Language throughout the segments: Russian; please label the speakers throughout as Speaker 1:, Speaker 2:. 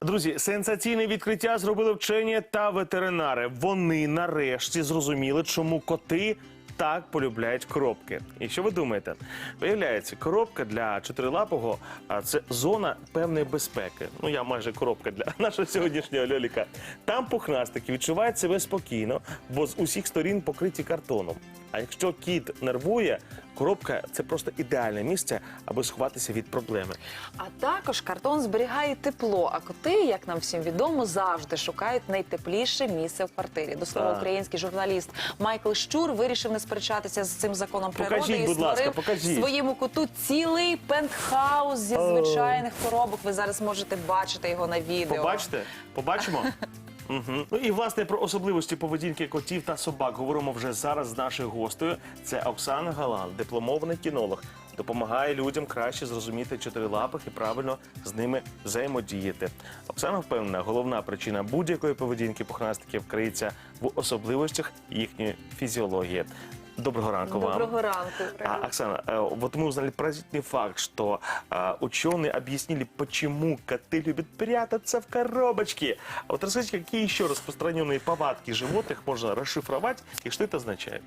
Speaker 1: Друзі, сенсаційне відкриття зробили вчені та ветеринари. Вони нарешті зрозуміли, чому коти так полюбляють коробки. І що ви думаєте? Виявляється, коробка для чотирилапого – це зона певної безпеки. Ну, я майже коробка для нашого сьогоднішнього льоліка. Там пухнастики відчувають себе спокійно, бо з усіх сторін покриті картоном. А якщо кіт нервує, коробка – це просто ідеальне місце, аби сховатися від проблеми.
Speaker 2: А також картон зберігає тепло, а коти, як нам всім відомо, завжди шукають найтепліше місце в квартирі. До слова, український журналіст Майкл Щур вирішив не сперечатися з цим законом природи
Speaker 1: Покажіть,
Speaker 2: і
Speaker 1: будь ласка,
Speaker 2: створив своєму коту цілий пентхаус зі звичайних коробок. Ви зараз можете бачити його на відео.
Speaker 1: Побачите? Побачимо? Угу. Ну і, власне, про особливості поведінки котів та собак говоримо вже зараз з нашою гостею. Це Оксана Галан, дипломований кінолог. Допомагає людям краще зрозуміти чотирилапих і правильно з ними взаємодіяти. Оксана впевнена, головна причина будь-якої поведінки пухнастиків криється в особливостях їхньої фізіології. Доброго ранку вам.
Speaker 2: Доброго ранку.
Speaker 1: Оксана, вот мы узнали поразительный факт, что ученые объяснили, почему коты любят прятаться в коробочке. А вот расскажите, какие еще распространенные повадки животных можно расшифровать и что это означает?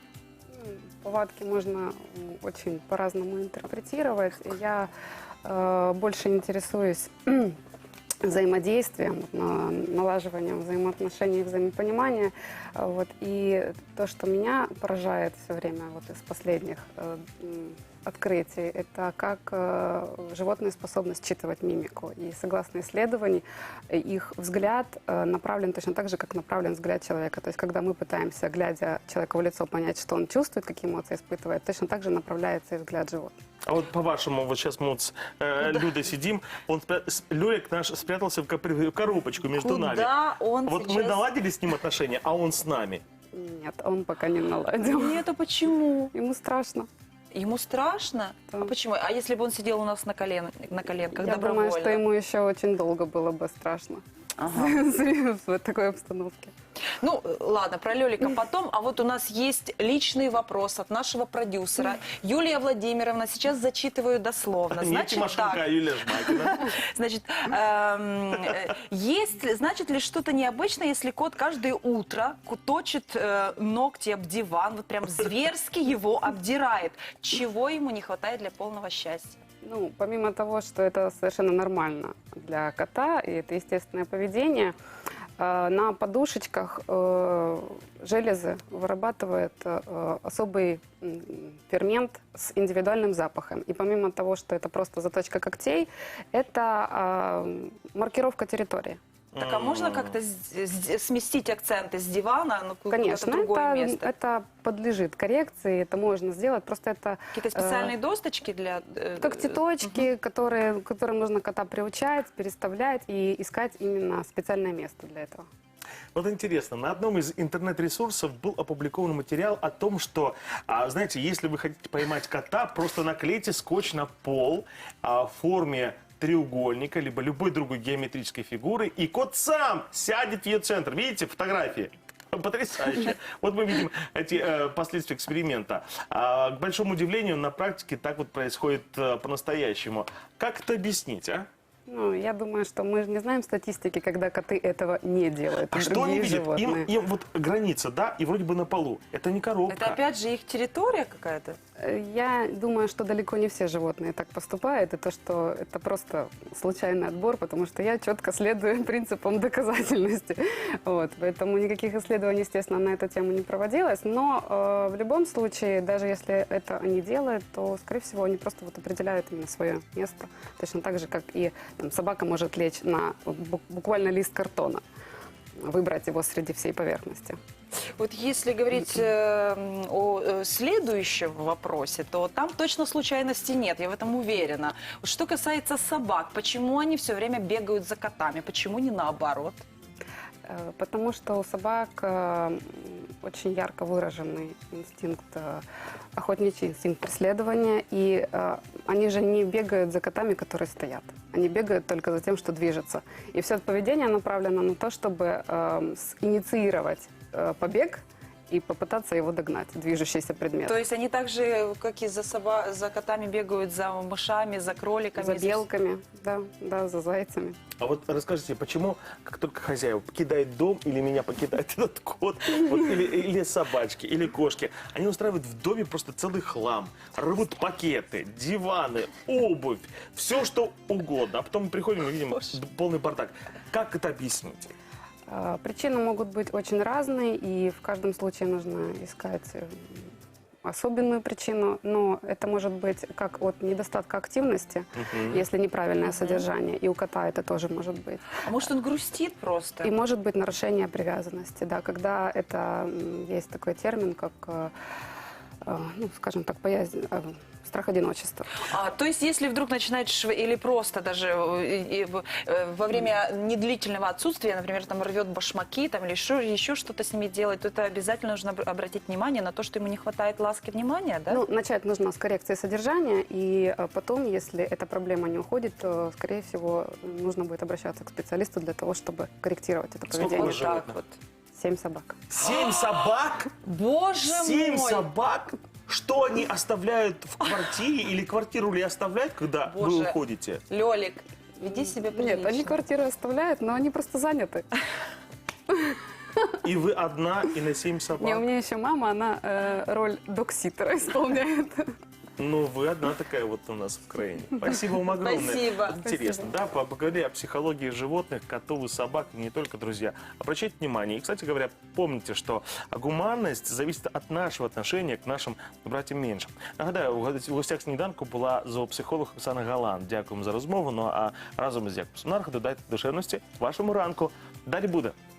Speaker 3: Повадки можно очень по-разному интерпретировать. Я больше интересуюсь взаимодействием, налаживанием взаимоотношений и взаимопонимания. Вот. И то, что меня поражает все время вот из последних открытий, это как животные способны считывать мимику. И согласно исследований, их взгляд направлен точно так же, как направлен взгляд человека. То есть, когда мы пытаемся, глядя человеку в лицо, понять, что он чувствует, какие эмоции испытывает, точно так же направляется и взгляд животного.
Speaker 1: А вот по-вашему, вот сейчас мы вот с Людой сидим, Лёлик наш спрятался в коробочку между нами.
Speaker 2: Куда он
Speaker 1: Вот
Speaker 2: сейчас...
Speaker 1: мы наладили с ним отношения, а он с нами.
Speaker 3: Нет, он пока не наладил.
Speaker 2: Нет, а почему?
Speaker 3: Ему страшно.
Speaker 2: Ему страшно?
Speaker 3: Да.
Speaker 2: А почему? А если бы он сидел у нас на коленках
Speaker 3: Я
Speaker 2: добровольно?
Speaker 3: думаю, что ему еще очень долго было бы страшно в такой обстановке.
Speaker 2: Ну, ладно, про Лёлика потом. А вот у нас есть личный вопрос от нашего продюсера. Юлия Владимировна, сейчас зачитываю дословно.
Speaker 1: Не Тимошенко, а Юлия Жмакина.
Speaker 2: Значит, значит ли что-то необычное, если кот каждое утро точит ногти об диван, вот прям зверски его обдирает? Чего ему не хватает для полного счастья?
Speaker 3: Ну, помимо того, что это совершенно нормально для кота, и это естественное поведение, на подушечках железы вырабатывает особый фермент с индивидуальным запахом. И помимо того, что это просто заточка когтей, это маркировка территории.
Speaker 2: Так, а можно как-то сместить акценты с дивана на какое-то
Speaker 3: Конечно,
Speaker 2: другое место?
Speaker 3: это подлежит коррекции, это можно сделать. Просто это
Speaker 2: Какие-то специальные досточки для...
Speaker 3: когтеточки, которым нужно кота приучать, переставлять и искать именно специальное место для этого.
Speaker 1: Вот интересно, на одном из интернет-ресурсов был опубликован материал о том, что, знаете, если вы хотите поймать кота, просто наклейте скотч на пол в форме треугольника, либо любой другой геометрической фигуры, и кот сам сядет в ее центр. Видите фотографии? Потрясающе. Вот мы видим эти последствия эксперимента. К большому удивлению, на практике так вот происходит по-настоящему. Как это объяснить, а?
Speaker 3: Ну, я думаю, что мы же не знаем статистики, когда коты этого не делают.
Speaker 1: А что они видят?
Speaker 3: Животные.
Speaker 1: Им вот граница, да, и вроде бы на полу. Это не коробка.
Speaker 2: Это опять же их территория какая-то?
Speaker 3: Я думаю, что далеко не все животные так поступают, и то, что это просто случайный отбор, потому что я четко следую принципам доказательности. Вот, поэтому никаких исследований, естественно, на эту тему не проводилось, но в любом случае, даже если это они делают, то, скорее всего, они просто вот определяют именно свое место, точно так же, как и там, собака может лечь на буквально лист картона, выбрать его среди всей поверхности.
Speaker 2: Вот если говорить о следующем вопросе, то там точно случайности нет, я в этом уверена. Что касается собак, почему они все время бегают за котами, почему не наоборот?
Speaker 3: Потому что у собак очень ярко выраженный инстинкт, охотничий инстинкт преследования, и они же не бегают за котами, которые стоят. Они бегают только за тем, что движется. И все это поведение направлено на то, чтобы инициировать побег и попытаться его догнать, движущийся предмет.
Speaker 2: То есть они так же, как и за котами бегают, за мышами, за кроликами.
Speaker 3: За белками, да, за зайцами.
Speaker 1: А вот расскажите, почему, как только хозяева покидает дом, или меня покидает этот кот, вот, или собачки, или кошки, они устраивают в доме просто целый хлам, рвут пакеты, диваны, обувь, все что угодно. А потом мы приходим и видим полный бардак. Как это объяснить?
Speaker 3: Причины могут быть очень разные, и в каждом случае нужно искать особенную причину, но это может быть как от недостатка активности, если неправильное содержание, и у кота это тоже может быть.
Speaker 2: А может, он грустит просто?
Speaker 3: И может быть нарушение привязанности, да, когда это, есть такой термин, как, ну, скажем так, страх одиночества.
Speaker 2: То есть, если вдруг начинает или просто даже во время недлительного отсутствия, например, там рвет башмаки там, или еще что-то с ними делает, то это обязательно нужно обратить внимание на то, что ему не хватает ласки, внимания, да?
Speaker 3: Ну, начать нужно с коррекции содержания, и потом, если эта проблема не уходит, то, скорее всего, нужно будет обращаться к специалисту для того, чтобы корректировать это
Speaker 1: Сколько
Speaker 3: поведение.
Speaker 1: у вас животных?
Speaker 2: вот.
Speaker 3: 7 собак.
Speaker 1: 7 собак?
Speaker 2: Боже
Speaker 1: 7
Speaker 2: мой!
Speaker 1: собак? Что они оставляют в квартире или квартиру ли оставляют, когда вы
Speaker 2: Боже.
Speaker 1: уходите?
Speaker 2: Лёлик, веди себя прилично.
Speaker 3: Нет, они квартиру оставляют, но они просто заняты.
Speaker 1: И вы одна, и на 7 собак?
Speaker 3: Не, у меня еще мама, она роль докситера исполняет.
Speaker 1: Ну, вы одна такая вот у нас в краине. Спасибо вам огромное.
Speaker 2: Спасибо.
Speaker 1: Вот интересно, да, поговорили о психологии животных, котов и собак, и не только, друзья. Обращайте внимание. И, кстати говоря, помните, что гуманность зависит от нашего отношения к нашим братьям меншим. Нагадаю, у гостях сніданку була зоопсихолог Оксана Галан. Дякуємо за розмову. Ну, а разом із Якобом Сонархо додайте душевності вашому ранку. Далі буде.